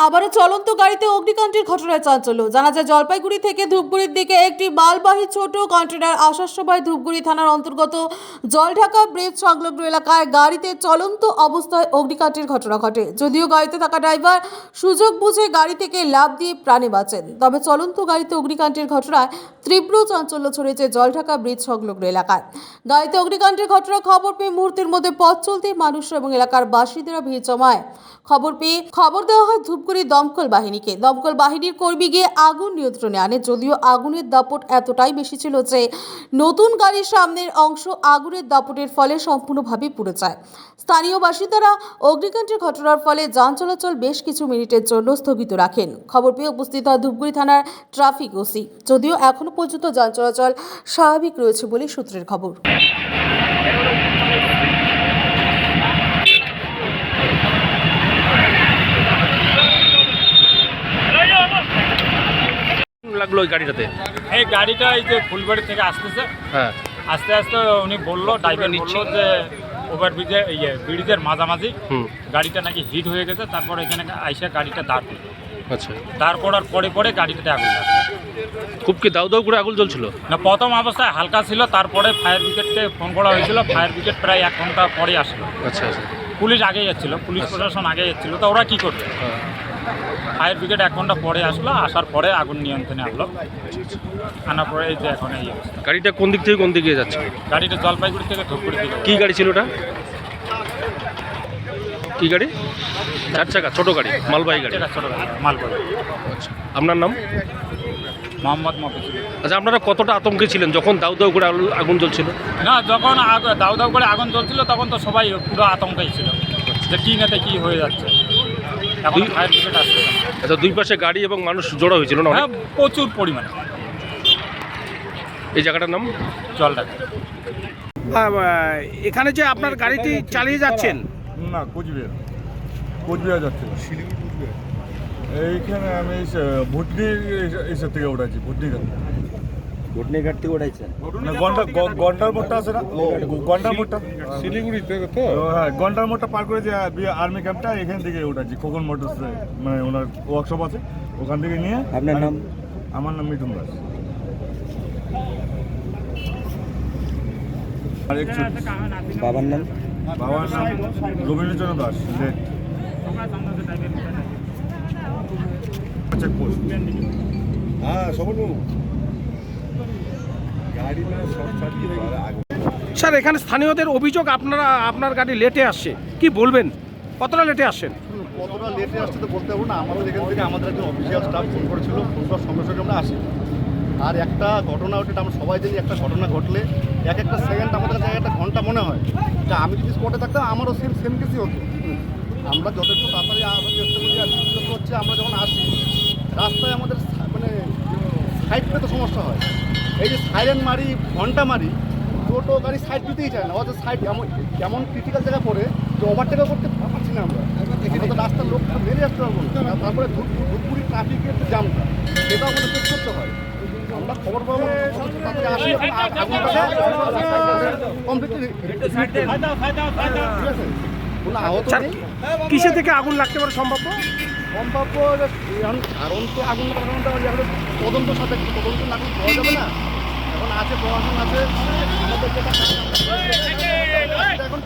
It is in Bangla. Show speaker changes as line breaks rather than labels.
আবারও চলন্ত গাড়িতে অগ্নিকাণ্ডের ঘটনায় চাঞ্চল্য। জানা যায় জলপাইগুড়ি থেকে ধূপগুড়ির দিকে একটি মালবাহী ছোট কন্টেনার আসার সময় ধূপগুড়ি থানার অন্তর্গত জলঢাকা ব্রিজ সংলগ্ন এলাকায় গাড়িতে চলন্ত অবস্থায় অগ্নিকাণ্ডের ঘটনা ঘটে। যদিও গাড়িতে থাকা ড্রাইভার সুযোগ বুঝে গাড়ি থেকে লাফ দিয়ে প্রাণে বাঁচেন, তবে চলন্ত গাড়িতে অগ্নিকাণ্ডের ঘটনায় তীব্র চাঞ্চল্য ছড়িয়েছে জলঢাকা ব্রিজ সংলগ্ন এলাকায়। গাড়িতে অগ্নিকাণ্ডের ঘটনা খবর পেয়ে মুহূর্তের মধ্যে পথ চলতে মানুষ এবং এলাকার বাসিন্দারা ভিড় জমায়। খবর দেওয়া হয় ধূপগুড়ি দমকল বাহিনীকে। দমকল বাহিনীর কর্মী গিয়ে আগুন নিয়ন্ত্রণে আনে, যদিও আগুনের দাপট এতটাই বেশি ছিল যে নতুন গাড়ির সামনের অংশ আগুনের দাপটের ফলে সম্পূর্ণভাবে পুড়ে যায়। স্থানীয় বাসিন্দারা অগ্নিকাণ্ডের ঘটনার ফলে যান চলাচল বেশ কিছু মিনিটের জন্য স্থগিত রাখেন। খবর পেয়ে উপস্থিত হয় ধূপগুড়ি থানার ট্রাফিক ওসি, যদিও এখনো পর্যন্ত যান চলাচল স্বাভাবিক রয়েছে বলে সূত্রের খবর।
লাগলো ওই গাড়িটাতে?
এই গাড়িটা এই যে ফুলবাড়ি থেকে আসতেছে,
হ্যাঁ,
আস্তে আস্তে উনি বললো, ড্রাইভার নিচ্ছিল যে ওভারব্রিজে ব্রিজের মাঝামাঝি গাড়িটা নাকি হিট হয়ে গেছে। তারপর এখানে আইসা গাড়িটা দাঁড় করলো।
আচ্ছা,
দাঁড় করার পরে গাড়িটাতে আগুন লাগলো।
খুব কি দাউ দাউ করে আগুন জ্বলছিল?
না, প্রথম অবস্থায় হালকা ছিল, তারপরে ফায়ার ব্রিগেডকে ফোন করা হয়েছিল। ফায়ার ব্রিগেড প্রায় 1 ঘন্টা পরে আসলো।
আচ্ছা আচ্ছা,
পুলিশ আগে যাচ্ছিল, পুলিশ প্রশাসন আগে যাচ্ছিল। তো ওরা কী করবে?
হ্যাঁ,
ফায়ার ব্রিগেড 1 ঘন্টা পরে আসলো, আসার পরে আগুন নিয়ন্ত্রণে আনলো। আনার পরে এই যে এখন এই অবস্থা।
গাড়িটা কোন দিক থেকে কোন দিকে যাচ্ছে?
গাড়িটা জলপাইগুড়ি থেকে ধূপগুড়ি দিকে।
কি গাড়ি ছিল ওটা? কি গাড়ি? 4 চাকা ছোট গাড়ি, মালবাহী গাড়ি।
ছোটো গাড়ি, মালগাড়ি।
আচ্ছা, আপনার নাম?
মোহাম্মদ মফিজুল।
আচ্ছা, আপনারা কতটা আতঙ্কে ছিলেন যখন দাউ দাউ করে আগুন জ্বলছিল?
না, যখন দাউ দাউ করে আগুন জ্বলছিল তখন তো সবাই পুরো আতঙ্কেই ছিল যে কী নেতে কী হয়ে যাচ্ছে। এখন ফায়ার ব্রিগেড আসছে।
আচ্ছা, দুই পাশে গাড়ি এবং মানুষ জড়ো হয়েছিল না?
হ্যাঁ, প্রচুর পরিমাণে।
এই জায়গাটার নাম
জলঢাকা।
এখানে যে আপনার গাড়িটি চালিয়ে যাচ্ছেন,
না, কোচবিহার যাচ্ছে। এইখানে আমি ভুটনি এইসব থেকে উঠাচ্ছি।
ঘটনিঘাট থেকে উঠাইছেন?
ঘন্টার মোড়টা আছে না, ঘন্টার মোড়টা শিলিগুড়ি থেকে তো। হ্যাঁ, ঘন্টার মোড়টা পার করে যে আর্মি ক্যাম্পটা, এখান থেকে উঠাচ্ছি। খোকন মোটরস, মানে ওনার ওয়ার্কশপ আছে, ওখান থেকে নিয়ে।
আপনার নাম?
আমার নাম মিঠুন দাস। আর
বাবার নাম?
বাবার নাম রবীন্দ্রচন্দ্র দাস। চেকপোস্ট। হ্যাঁ, সবন গাড়ি না শর্ট সার্কিট হয়ে আগুন।
স্যার এখানে স্থানীয়দের অভিযোগ আপনার গাড়ি লেটে আসছে, কি বলবেন? কতটা লেটে আসছেন?
কতটা লেটে আসছে তো বলতে পারবো না। আমাদের এখান থেকে আমাদের একজন অফিসিয়াল স্টাফ ফোন করেছিল, ফোন করার সঙ্গে সঙ্গে আমরা আসি। আর একটা ঘটনা ওটা আমরা সবাই জানি, একটা ঘটনা ঘটলে এক একটা সেকেন্ড আমাদের কাছে একটা ঘন্টা মনে হয়। তা আমি যদি স্পটে থাকতাম আমারও সেম কেসই হতো। আমরা যথেষ্ট তাড়াতাড়ি চেষ্টা করি। আর দ্বিতীয়ত হচ্ছে আমরা যখন আসি রাস্তায় আমাদের মানে সাইড পেতে সমস্যা হয়। এই যে সাইরেন মারি, ঘন্টা মারি, টোটো গাড়ি সাইড দিতেই চায় না। অথচ সাইড এমন ক্রিটিক্যাল জায়গায় পড়ে যে ওভারটেকও করতে পারছি না আমরা। তো রাস্তার লোক মেরে আসতে পারবো না। তারপরে ধূপগুড়ি ট্রাফিকের যে জামটা, সেটাও আমাদের চেক করতে হয়। আমরা খবর পাবো, তাড়াতাড়ি আসি, কমপ্লিটলি ঠিক আছে। কোনো আহত নেই।
কিসে থেকে আগুন লাগতে পারে সম্ভাব্য?
কারণ তো আগুন লাগানোটা এখন তদন্ত সাথে তদন্ত না করলে পাওয়া যাবে না। এখন আছে প্রশাসন আছে, আমাদের যেটা এখন